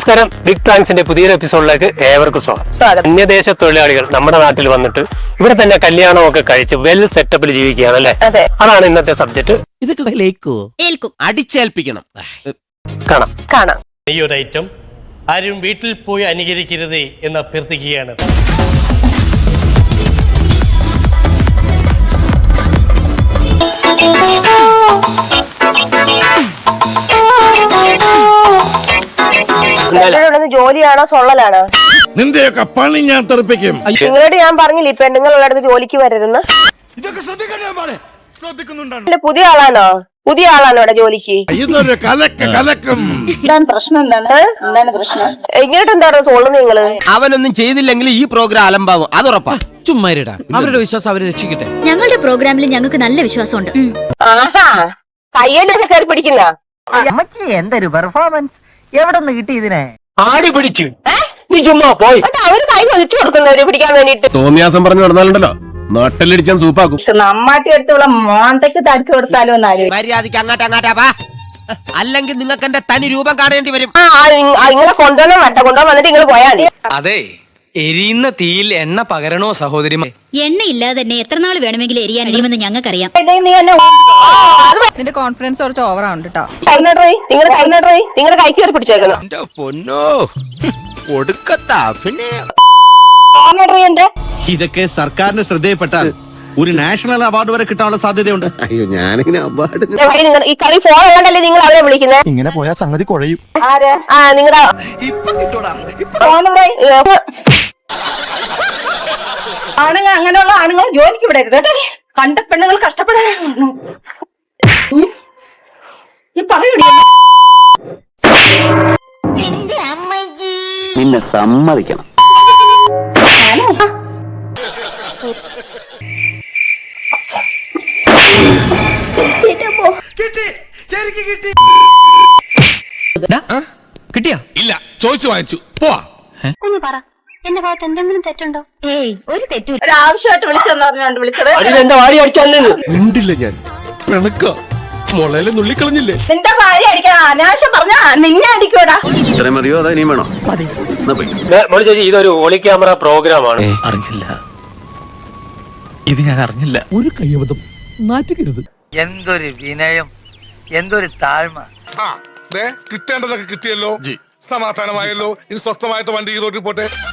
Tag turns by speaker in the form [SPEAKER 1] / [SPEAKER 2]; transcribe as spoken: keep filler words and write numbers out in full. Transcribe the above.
[SPEAKER 1] നമസ്കാരം, ബിഗ് പ്രാങ്ക്സിന്റെ പുതിയൊരു എപ്പിസോഡിലേക്ക് ഏവർക്കും സ്വാഗതം. അന്യദേശ തൊഴിലാളികൾ നമ്മുടെ നാട്ടിൽ വന്നിട്ട് ഇവിടെ തന്നെ കല്യാണമൊക്കെ കഴിച്ച് വെൽ സെറ്റപ്പിൽ ജീവിക്കുകയാണ് അല്ലെ? അതാണ് ഇന്നത്തെ സബ്ജക്ട്. ഇതൊക്കെ
[SPEAKER 2] അടിച്ചേൽപ്പിക്കണം.
[SPEAKER 1] കാണാം
[SPEAKER 3] കാണാം
[SPEAKER 4] ഈ ഒരു ഐറ്റം ആരും വീട്ടിൽ പോയി അനുകരിക്കരുത് എന്ന് അഭ്യർത്ഥിക്കുകയാണ്.
[SPEAKER 3] ജോലിയാണോ സൊള്ളലാണോ?
[SPEAKER 2] നിന്റെയൊക്കെ പണി ഞാൻ തെറിപ്പിക്കും.
[SPEAKER 3] നിങ്ങളോട് ഞാൻ പറഞ്ഞില്ല ഇപ്പൊ നിങ്ങളുള്ള അടുത്ത് ജോലിക്ക് വരരുന്ന്. പുതിയ ആളാണോ പുതിയ ആളാണോ ഇവിടെ ജോലിക്ക്?
[SPEAKER 2] ഇതൊരു കലക്ക് കലക്കും.
[SPEAKER 3] എന്താണ് പ്രശ്നം? എന്താണ് എന്താണ് പ്രശ്നം? എങ്ങോട്ട് എന്താണ് സോളുന്നത് നിങ്ങള്?
[SPEAKER 5] അവനൊന്നും ചെയ്തില്ലെങ്കിൽ ഈ പ്രോഗ്രാം അലമ്പാവും, അത് ഉറപ്പാ. ചുമ്മാരിടാ, അവരുടെ വിശ്വാസം അവരെ രക്ഷിക്കട്ടെ.
[SPEAKER 6] ഞങ്ങളുടെ പ്രോഗ്രാമിൽ ഞങ്ങൾക്ക് നല്ല വിശ്വാസമുണ്ട്.
[SPEAKER 3] ആഹാ, കയ്യിലൊക്കെ കയറി പിടിക്കുന്ന
[SPEAKER 7] എന്തൊരു പെർഫോമൻസ്! എവിടെ നിന്ന് കിട്ടി ഇതിനെ?
[SPEAKER 1] ആടി പിടിച്ചു. നീ ചുമ്മാ പോയി.
[SPEAKER 3] അവര് കൈ വലിച്ചു കൊടുക്കുന്നവര് പിടിക്കാൻ വേണ്ടിട്ട്.
[SPEAKER 8] തോന്നിയാസം പറഞ്ഞു നടന്നാലുണ്ടല്ലോ നാട്ടിലടിച്ചാൻ സൂപ്പാക്കും.
[SPEAKER 7] നമ്മാട്ടി എടുത്തുള്ള മോന്തയ്ക്ക് തടിച്ചു കൊടുത്താലോ എന്നാലും
[SPEAKER 5] മര്യാദക്ക് അങ്ങാട്ട് അങ്ങാട്ടാ വാ, അല്ലെങ്കിൽ നിങ്ങൾക്ക് എന്റെ തനി രൂപം കാണേണ്ടി വരും.
[SPEAKER 3] ആ നിങ്ങളെ കൊണ്ടുവന്നോ വട്ട കൊണ്ടുവന്ന് വന്നിട്ട് നിങ്ങൾ പോയാ മതി.
[SPEAKER 9] അതെ, എരിയുന്ന തീയിൽ എണ്ണ പകരണോ സഹോദരി?
[SPEAKER 6] എണ്ണയില്ലാതെ തന്നെ എത്ര നാൾ വേണമെങ്കിലും എരിയാൻ കഴിയുമെന്ന് ഞങ്ങൾക്കറിയാം.
[SPEAKER 10] നിന്റെ കോൺഫിഡൻസ് കുറച്ച് ഓവറാണ് കേട്ടോ.
[SPEAKER 3] നിങ്ങളുടെ കൈ നിങ്ങളുടെ കൈ കയറി പിടിച്ചേക്കുന്നു.
[SPEAKER 5] പൊന്നോ ഒടുക്കത്താ. പിന്നെ
[SPEAKER 11] ഇതൊക്കെ സർക്കാരിന്റെ ശ്രദ്ധയിൽപ്പെട്ടാൽ ഒരു നാഷണൽ അവാർഡ് വരെ കിട്ടാനുള്ള സാധ്യതയുണ്ട്.
[SPEAKER 2] അയ്യോ, ഞാനിങ്ങനെ അവാർഡ്
[SPEAKER 3] ഈ കളി ഫോൺ ഉള്ളതല്ലേ നിങ്ങൾ അവരെ വിളിക്കുന്നത്?
[SPEAKER 11] ഇങ്ങനെ പോയാൽ സംഗതി കുഴയും.
[SPEAKER 3] ആ നിങ്ങളുടെ
[SPEAKER 7] ആണുങ്ങൾ അങ്ങനെയുള്ള ആണുങ്ങൾ ജോലിക്ക് വിടരുത് കേട്ടോ. കണ്ട പെണ്ണുങ്ങൾ കഷ്ടപ്പെടാൻ പറയൂടി.
[SPEAKER 8] നിന്നെ സമ്മതിക്കണം.
[SPEAKER 9] കിട്ടിയാ?
[SPEAKER 2] ഇല്ല, ചോദിച്ചു വാങ്ങിച്ചു. പോവാ.
[SPEAKER 6] ഒന്ന് പറ, എന്റെ ഭാഗത്ത് എന്തെങ്കിലും തെറ്റുണ്ടോ? ഏയ്, ഒരു തെറ്റും.
[SPEAKER 7] ഒരു ആവശ്യമായിട്ട് വിളിച്ചെന്ന് പറഞ്ഞോണ്ട് വിളിച്ചത്.
[SPEAKER 1] അതിലെന്താ വാടി അടിച്ചല്ലേ?
[SPEAKER 2] മിണ്ടില്ല ഞാൻ. പിണക്ക മുളയിലെ നുള്ളിക്കളഞ്ഞില്ലേ?
[SPEAKER 7] നിന്റെ ഭാര്യ അടിക്കാൻ അനാവശ്യം പറഞ്ഞാ നിന്നെ അടിക്കൂടാ.
[SPEAKER 8] ഇത്രയും മതിയോ? അതോ ഇനിയും വേണോ?
[SPEAKER 1] മോളി ചേച്ചി, ഇതൊരു ഒളി ക്യാമറ പ്രോഗ്രാമാണ്.
[SPEAKER 9] അറിഞ്ഞില്ല, ഇത് ഞാൻ അറിഞ്ഞില്ല.
[SPEAKER 11] ഒരു കയ്യബദ്ധം നാറ്റിക്കരുത്.
[SPEAKER 7] എന്തൊരു വിനയം, എന്തൊരു താഴ്മ.
[SPEAKER 2] കിട്ടേണ്ടതൊക്കെ കിട്ടിയല്ലോ, സമാധാനമായല്ലോ. ഇനി സ്വസ്ഥമായിട്ട് വണ്ടി ഈ റോഡിൽ പോട്ടെ.